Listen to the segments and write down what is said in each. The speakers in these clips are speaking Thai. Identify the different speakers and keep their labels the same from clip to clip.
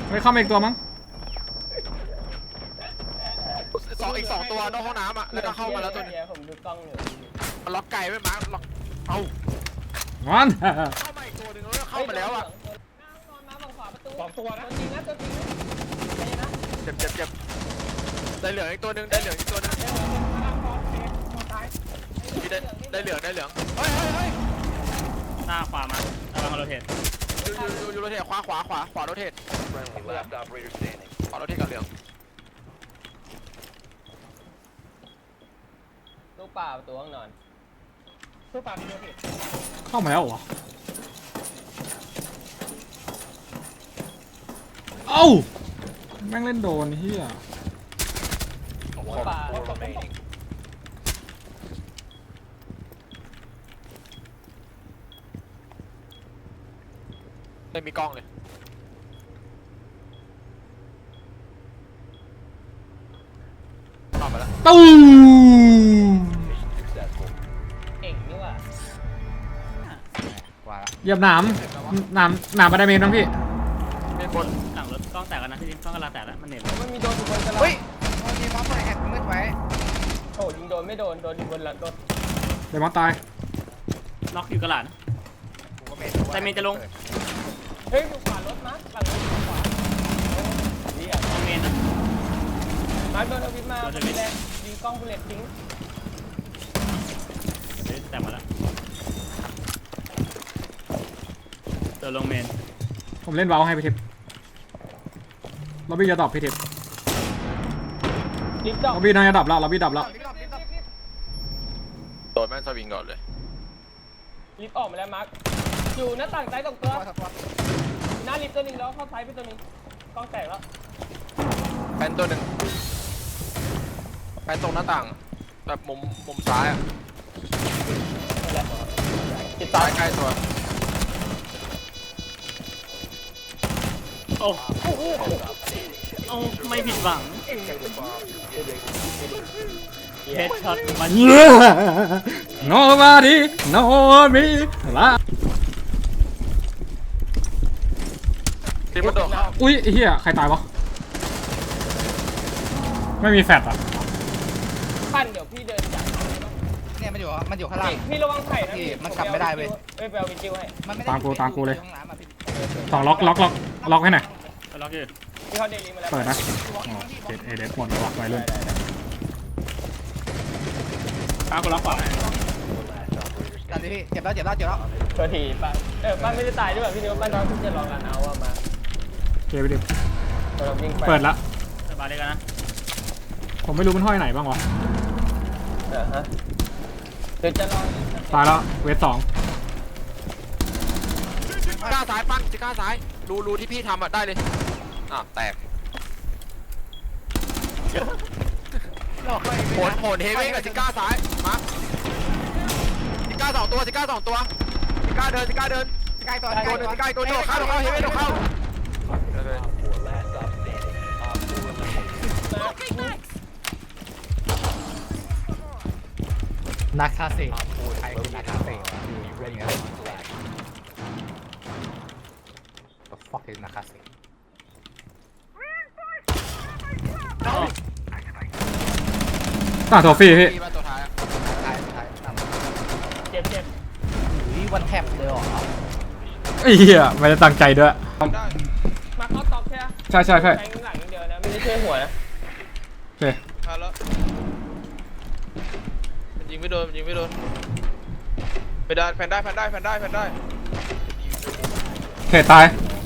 Speaker 1: ไม่เข้ามาอีกตัวมั้ง
Speaker 2: อีกสองตัวนอกห้องน้ำอ่ะแล้วก็เข้ามาแล้วตัวนึง
Speaker 3: ผมดูกล้องอยู่
Speaker 2: มันล็อกไก่ไว้มาร์คล็อกเอ้า
Speaker 1: งั้น
Speaker 2: เข้ามาอีกตัวนึงแล้วเข้ามาแล้วอ่ะ
Speaker 3: สองตัวนะจริงนะตัวจริงนะ
Speaker 2: เจ็บได้เหลืองอีกตัวนึงได้เหลืองอีกตัวนึงได้เหลืองเฮ้ย
Speaker 4: หน้าขวามาระวังโรเทต
Speaker 2: อยู่โรเทตขวาโรเทตขวาโรเทตกับเหลือง
Speaker 3: ตู้ป่าประตูห้องนอน
Speaker 4: ตู้ปลามีโรเทต
Speaker 1: เข้ามาแล้วเหรอเอ้าแม่งเล่นโดนเฮีย
Speaker 3: ป่า
Speaker 2: ไม่มีกล้องเลยเข้ามาแล้ว
Speaker 1: ตู้
Speaker 3: เก่งนี่ว่ะ
Speaker 1: เหยียบหนามมาได้เมนมั้งพี่
Speaker 2: เป็นบน
Speaker 4: หลังรถกล้องแตกแล้วนะพี่กล้องกำลังแตกแล้วมันเหน็บ
Speaker 3: มันมีโดนอยู่บนกระดาษ
Speaker 5: เฮ้ยมันมีม็อบเลยแฮกมืดไว้
Speaker 3: โอ้ยิงโดนไม่โดนอยู่บนรถ
Speaker 1: เดี๋ยวมาตาย
Speaker 4: ล็อกอยู่กระหลาดแต่เมนจะลง
Speaker 3: เฮ้ยอยู่ขวารถมั้งหลังรถขวานี่อ่ะ
Speaker 4: เมนนะ
Speaker 3: มาโดนเอาวิทมาแรงยิงกล้องบุลเลตทิ้ง
Speaker 4: แตกมาแล้วเดินลงเมน
Speaker 1: ผมเล่นเบาให้พี่ทิพย์ล็อบบี้จะตอบพี่ทิพย์
Speaker 3: ลิฟต์ดอก
Speaker 1: ล็อบบี้น่าจะดับแล้วล็อบบี้ดับแล้ว
Speaker 2: โดนแม่งสวิงก่อนเลย
Speaker 3: ลิฟต์ออกมาแล้วมาร์คอยู่หน้าต่างซ้ายตรงตัวหน้าลิฟต์ตัวนึงแล้วเข้าซ้ายไปตัวนึงกล้องแตกแล้ว
Speaker 2: แพนตัวหนึ่งแพนตรงหน้าต่างแบบมุมซ้ายอ่ะซ้ายใกล้ตัว
Speaker 4: โอ้ไม่ผิดหวังเฮดช็อตมัน
Speaker 1: nobody no me ละ
Speaker 2: ทีมันโดดเข้า
Speaker 1: อุ้ยเฮียใครตายวะไม่มีแฟตอ่ะ
Speaker 3: ปั้นเดี๋ยวพี่เดินจาก
Speaker 5: เนี่ยมันอยู่ข้างล่าง
Speaker 3: พี่ระวังไข่นะ
Speaker 5: มันกลับไม่ได้เว้ย
Speaker 3: ไปเอาวิจิวให้
Speaker 1: ตามกูเลยสองล็อกให้หน่อย
Speaker 4: ล็อกอยู่
Speaker 3: พี่เขาเดลิมาแล้ว
Speaker 1: เปิดนะเอเดสหมดแล้วไว้เลย
Speaker 4: กูล็อกขวา
Speaker 5: กันดิพี่เจ็บแล้ว
Speaker 3: ตัวทีปั้นปั้นไม่ได้ตายด้วยพี่นิวปั้นน้องที่จะลองกันเอาว่ามา
Speaker 1: เกไปดิเปิดละ
Speaker 4: สบายเลยกันนะ
Speaker 1: ผมไม่รู้มันห้อยไหนบ้างวะ
Speaker 3: ฮะเดี๋ยวจะลอง
Speaker 1: ตายแล้วเวท2
Speaker 2: กล้าซ้ายปั้นจิก้าซ้ายรูที่พี่ทำอ่ะได้เลยแตกโหนเฮเว่นกับจิก้าซ้ายมาจิก้า2 ตัวจิก้า2 ตัวจิก้าเดิน
Speaker 5: ใกล้ตัว
Speaker 2: จิก้าตัวโดดเข้าเฮเว่นโดดเข้า
Speaker 5: นักคาเซ่ใครคือนักคาเซ่fuck is นักคาเซ่
Speaker 1: โทฟี่พี่
Speaker 2: ตัวท้าย
Speaker 3: เจ็บ
Speaker 5: วันแทบเลยหรอ
Speaker 1: ไอ้เหี้ยไม่ได้ตั้งใจด้วย
Speaker 3: มาเข้าตอกใช่ไหม
Speaker 1: ใช่
Speaker 3: แทงหลังเดียวนะไม่ได้ช่วยหัวนะ
Speaker 1: โอเค
Speaker 2: แล้วยิงไม่โดนไปได้แผ่นได้
Speaker 1: โอเคตาย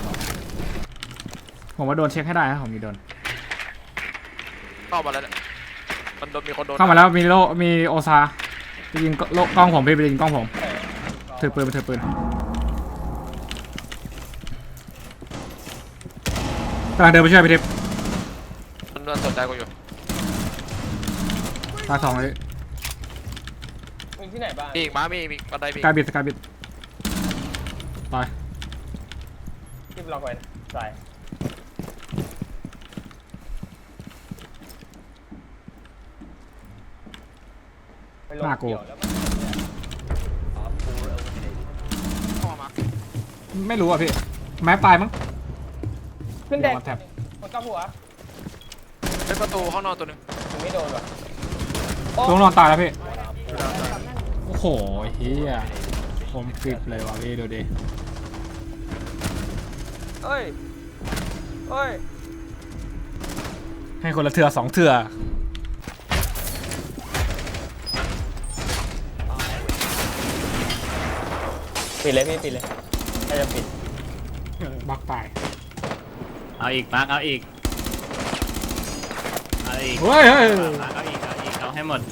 Speaker 1: ผมว่าโดนเช็คให้ได้นะผมมีโดน
Speaker 2: เข้ามาแล้วเนี่ยมันโดนมีคนโดน
Speaker 1: เข้ามาแล้วมีโอซาไปยิงกล้องผมไปยิงกล้องผมถือปืนกำลังเดินไปช่วยพี่ทิพย์
Speaker 2: มันสนใจกูอยู่
Speaker 1: ตา2เลย
Speaker 3: มีที่ไหนบ้าง
Speaker 2: อีกมีบันได
Speaker 1: สกายบิดตาย
Speaker 3: ที่ล็อกไว้ใส่
Speaker 1: หน้ากูไม่รู้อ่ะพี่แม้ตายมั้ง
Speaker 3: ขึ้นแดง
Speaker 1: วันแท็บ
Speaker 3: หมดกับหัว
Speaker 2: เป็นประตูห้องนอนตัวหนึ่ง
Speaker 3: ยังไม่โดนว่ะ
Speaker 1: ลงนอนตายแล้วพี่โอ้โหเฮียผมกริบเลยว่ะพี่ดูดิ
Speaker 2: เอ้ยเอ้ย
Speaker 1: ให้คนละเถื่อ2เถื่อ
Speaker 3: ปิดเลยพี่ปิดเลยถ้าจะปิด
Speaker 1: บักตาย
Speaker 4: เอาอีกมาร์คเอาอีกเอาอีก
Speaker 1: เฮ้ยเฮ้ย
Speaker 4: มาร์คเอาอีกเอาให้หมด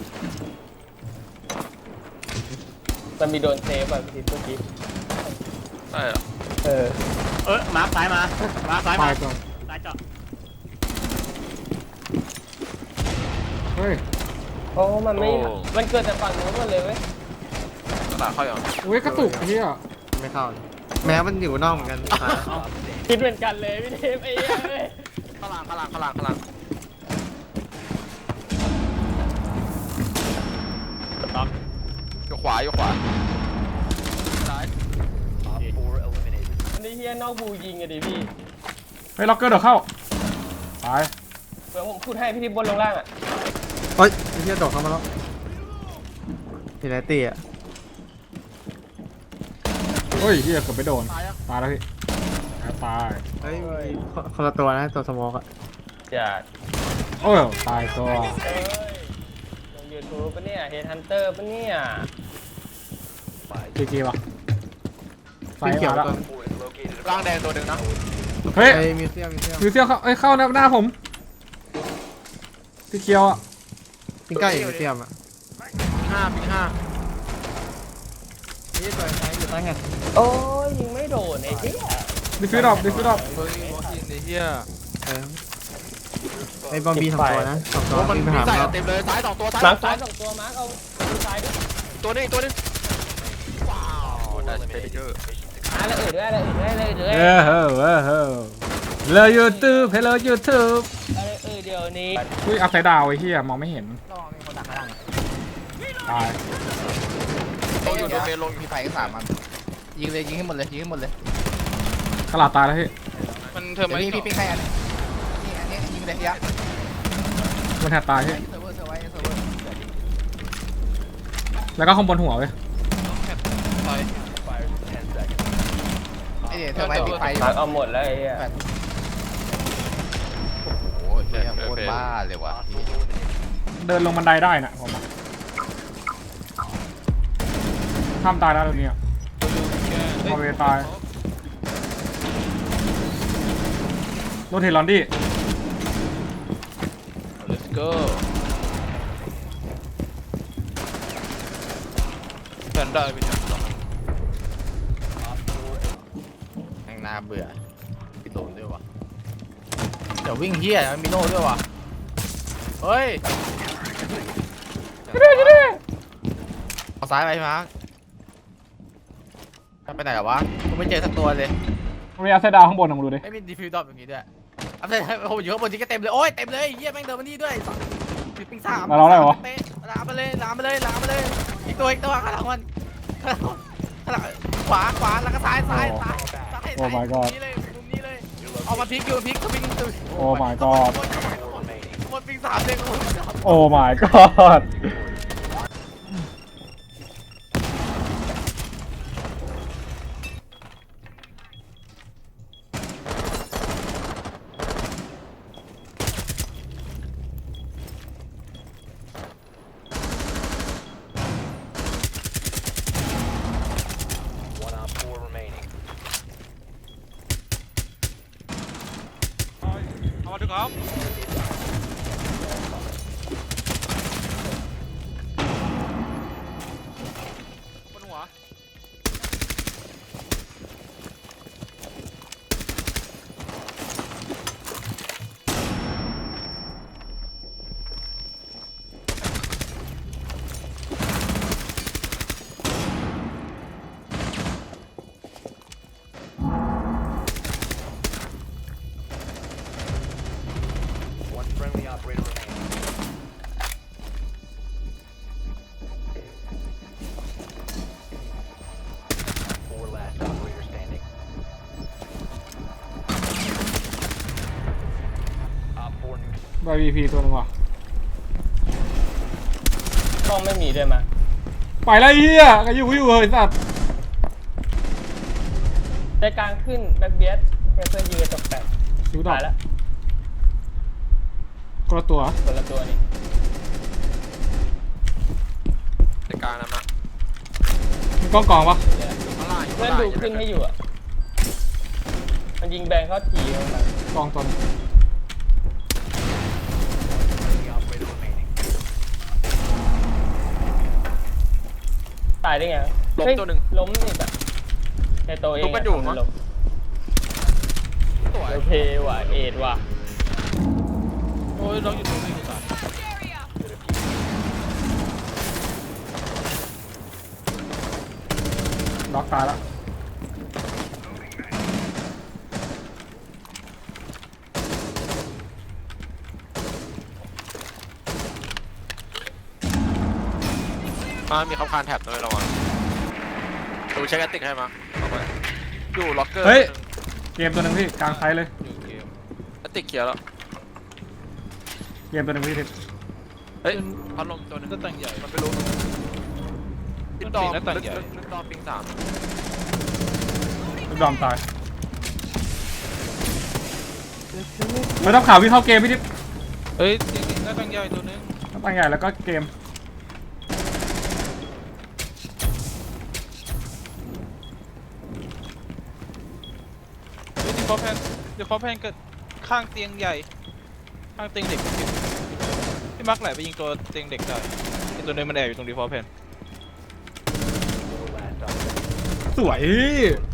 Speaker 3: มันมีโดนเซฟแบบทีเมื่อกี้
Speaker 2: ใช่เหรอ
Speaker 4: มาร์คซ้ายมามาร์คซ้าย
Speaker 1: ตา
Speaker 4: มา
Speaker 1: ยก่อน
Speaker 4: ซ้ายเจาะ
Speaker 1: เฮ้ย
Speaker 3: โอ้มันไม่มันเกิดแต่ฝั่งนู้นหมดเลยเว้ย
Speaker 2: กระดาษเข้าอย่าง
Speaker 1: อุ้ยกระตุกเฮีย
Speaker 6: ไม่เข้าเลยแม้มันอยู่นอกเหมือนกัน
Speaker 3: คิดเหมือนกันเลยพี่เทพไอ้เหี้ยเว้ย
Speaker 2: ข้างหลังข้างหลังข้างหลังข้างหลัง
Speaker 4: ต็อก
Speaker 2: อยู่ขวาอยู่ขวาซ้าย
Speaker 3: อันนี้เฮียนอกบูยิงอะดิพี่
Speaker 1: เฮ้ยล็อกเกอร์เดี๋ยวเข้าตาย
Speaker 3: เดี๋ยวผมพูดให้พี่ทิพย์บนลงล่างอะ
Speaker 6: เฮ้ยไอ้เหี้ยโดดเข้ามาแล้วทีไรตีอ่ะ
Speaker 1: เฮ้ยเฮียเกือบไปโดน
Speaker 2: ตายอ่ะ
Speaker 1: ตายแล้วพี่ตาย
Speaker 6: เฮ้ยมีคนละตัวนะตัวสโมอกอ่ะ
Speaker 3: จัด
Speaker 1: โอ้ยตายตัว
Speaker 3: เอ้ยลงยูทูบปะเนี่ยเฮดฮันเตอร์ปะเนี่ย
Speaker 1: จีจีวะไฟ
Speaker 6: สีเขียว
Speaker 1: มาแล้ว
Speaker 6: ตัว
Speaker 2: ร่างแดงตัวหนึ่งนะ
Speaker 1: เฮ้ย
Speaker 6: ไอ้มิวเซียม
Speaker 1: มิวเซียมเข้าเอ้ยเข้าหน้าผมสีเขียวอ่ะ
Speaker 6: ปิ้งใกล้มิวเซียมอ่ะ
Speaker 2: ปิงห้า
Speaker 6: นี่ตัวไหนอยู่ใต้แฮนด์
Speaker 3: โอ้ยยิงไม่โดนไอ้เหี้ย
Speaker 1: ดิฟิวดอปดิฟิวดอป
Speaker 2: เฮ้ยมอสกินไอ้เหี้ย
Speaker 6: ไอ้บอมบี้2ตัวนะ2ตัว
Speaker 2: มัน
Speaker 6: วิ่งไป
Speaker 2: มี
Speaker 6: หา
Speaker 2: ใส่
Speaker 6: เรา
Speaker 2: เต็มเลยซ้าย2ตัวซ้าย
Speaker 3: มาร์ค
Speaker 2: 2ตัว
Speaker 3: ซ้ายสองตัวมาร์คเอาดูซ้ายด้วย
Speaker 2: ตัวนึงอีกตัวนึงว้าวได้สเปรย์เยอะ
Speaker 3: แล้วอื่นด้วยอะไรอื่นด้วยอะไรอื่นด้วย
Speaker 1: เออเฮ้อเออเฮ้อเลยยูทูบเฮลโลยูทูบ
Speaker 3: อะไรอื่นเดี๋ยวนี้
Speaker 1: อุ้ยอัพไซด์ดาวไอ้เหี้ยมองไม่เห็น
Speaker 5: ลองมีคนดักข้างล่าง
Speaker 1: ตาย
Speaker 2: ลงอยู่ตัวเมนลงอยู่
Speaker 5: มีไฟก็3มันยิงเลยยิงให้หมดเลยยิงให้หมดเลย
Speaker 1: กระลาดตายแล้วพี่
Speaker 2: มันเธอ
Speaker 5: เดี๋ยว
Speaker 2: ไม่
Speaker 5: พี่ปิ้งให้อันนี้นี่อันนี้ยิงเลยยะ
Speaker 1: มันแทบตายพี่
Speaker 5: เซิร์ฟเวอร์เซิร์ฟไว้เซิร์ฟเวอร์
Speaker 1: แล้วก็ข้างบนหัวเว้ย
Speaker 5: ไอเดี๋ยวเธอไว้ปิดไฟอยู่
Speaker 3: มาร์คเอาหมดแล้วไอ้เหี้ย
Speaker 5: โอ้โหเฮียโคตรบ้าเลยว่ะ
Speaker 1: เดินลงบันไดได้น่ะผมอะห้ามตายแล้วตรงนี้พอเวตายโรเทลอนดี้
Speaker 2: let's go แพนด้าเป็นยังไง
Speaker 5: แม่งน่าเบื่อพี่โดนด้วยว่ะเดี๋ยววิ่งเฮียมันมีโน่ด้วยว่ะเฮ้ยเอาซ้ายไปมาร์คไปไหนหรอวะกูไม่เจอสักตัวเลย
Speaker 1: มีอัพไซด์ดาวข้างบนลองดูดิ
Speaker 5: ไม่มีดีฟิวดรอปอย่างนี้ด้วยอัพเดทโอ้โหอยู่ข้างบนที่ก็เต็มเลย โอ้ยเต็มเลยเฮียแม่งเดินมานี่ด้วยปิง3
Speaker 1: มาเราได้เหรอ
Speaker 5: ลามมาเลยลามมาเลยลามมาเลยอีกตัวข้างหลังมันข้างหลังขวาแล้วก็ซ้ายซ้าย
Speaker 1: โอ้ my god
Speaker 5: นี่เลยมุมนี้เลยเอามาพลิกอยู่พลิกสวิง
Speaker 1: โอ้ my god
Speaker 5: หมดปิง3เลยกู
Speaker 1: โอ้ my god
Speaker 2: เอามาดึงครับบนหัว
Speaker 1: YVP ตัวหนึงว่ะ
Speaker 3: กล้องไม่มีด้วยมา
Speaker 1: ไปแล้วไอ้เฮียก็อยู่เฮ้ยสัตว์
Speaker 3: ใจกลางขึ้นแบ็คเบียดเพื่อนยืนตกแต่ง
Speaker 1: ดูดอก
Speaker 3: ตายแล้ว
Speaker 1: คนละตัว
Speaker 3: คนละตัวนี่
Speaker 2: ในกลางนะมา
Speaker 1: มีกล้องกองปะ
Speaker 2: อยู่ข้างล่างอยู่
Speaker 3: เพื่
Speaker 2: ข้า
Speaker 3: อน
Speaker 2: งล่าง
Speaker 3: ดูขึ้นให้อยู่อ่ะมันยิงแบงเข้าทีมัน
Speaker 1: กองตัวนึง
Speaker 3: ตายได้ไง
Speaker 2: ล้ม
Speaker 3: เฮ้ย
Speaker 2: ตัวหนึ่ง
Speaker 3: ล้มอีกแบบในตัวเอง
Speaker 2: ทุบกันอยู่มั้ง
Speaker 3: ล้ม
Speaker 2: สวย
Speaker 3: โอเคว่ะเอ็ดว่ะ
Speaker 4: โอ้ยล็อกอยู่ตรงนี้ก่อน
Speaker 1: ล็อกตายแล้ว
Speaker 2: มามีคำคานแท็บด้วยระวังดูเช็คแอตติกให้มาเอาไปอยู่ล็อกเกอร์
Speaker 1: เฮ้ยเกมตัวหนึงพี่กลางไซส์เลย
Speaker 4: อยู่เกม
Speaker 2: แอตติกเคลียร์แล้ว
Speaker 1: เกมตัวหนึงพี่ทิศ
Speaker 2: เฮ้ยพัดลมตัวหนึง
Speaker 4: หน้าต่างใหญ่
Speaker 2: มันไม่รู้
Speaker 4: มั
Speaker 2: ลิ
Speaker 4: น
Speaker 2: ดดอม
Speaker 4: ปิดหน้าต่างใหญ่
Speaker 2: ลิดดอมปิง3
Speaker 1: ลูกดอมตายไม่ต้องข่าวพี่เข้าเกมพี่ทิศ
Speaker 4: เฮ้ยจริงๆหน้าต่างใหญ่ตัวนึง
Speaker 1: ตั้งใหญ่แล้วก็เกม
Speaker 4: เฮ้ยเดี๋ยวขอแพนเกิดข้างเตียงใหญ่ข้างเตียงเด็กพี่มักไหลไปยิงตัวเตียงเด็กได้ไอ้ตัวนึงมันแอบอยู่ตรงดีฟอลแพน
Speaker 1: สวย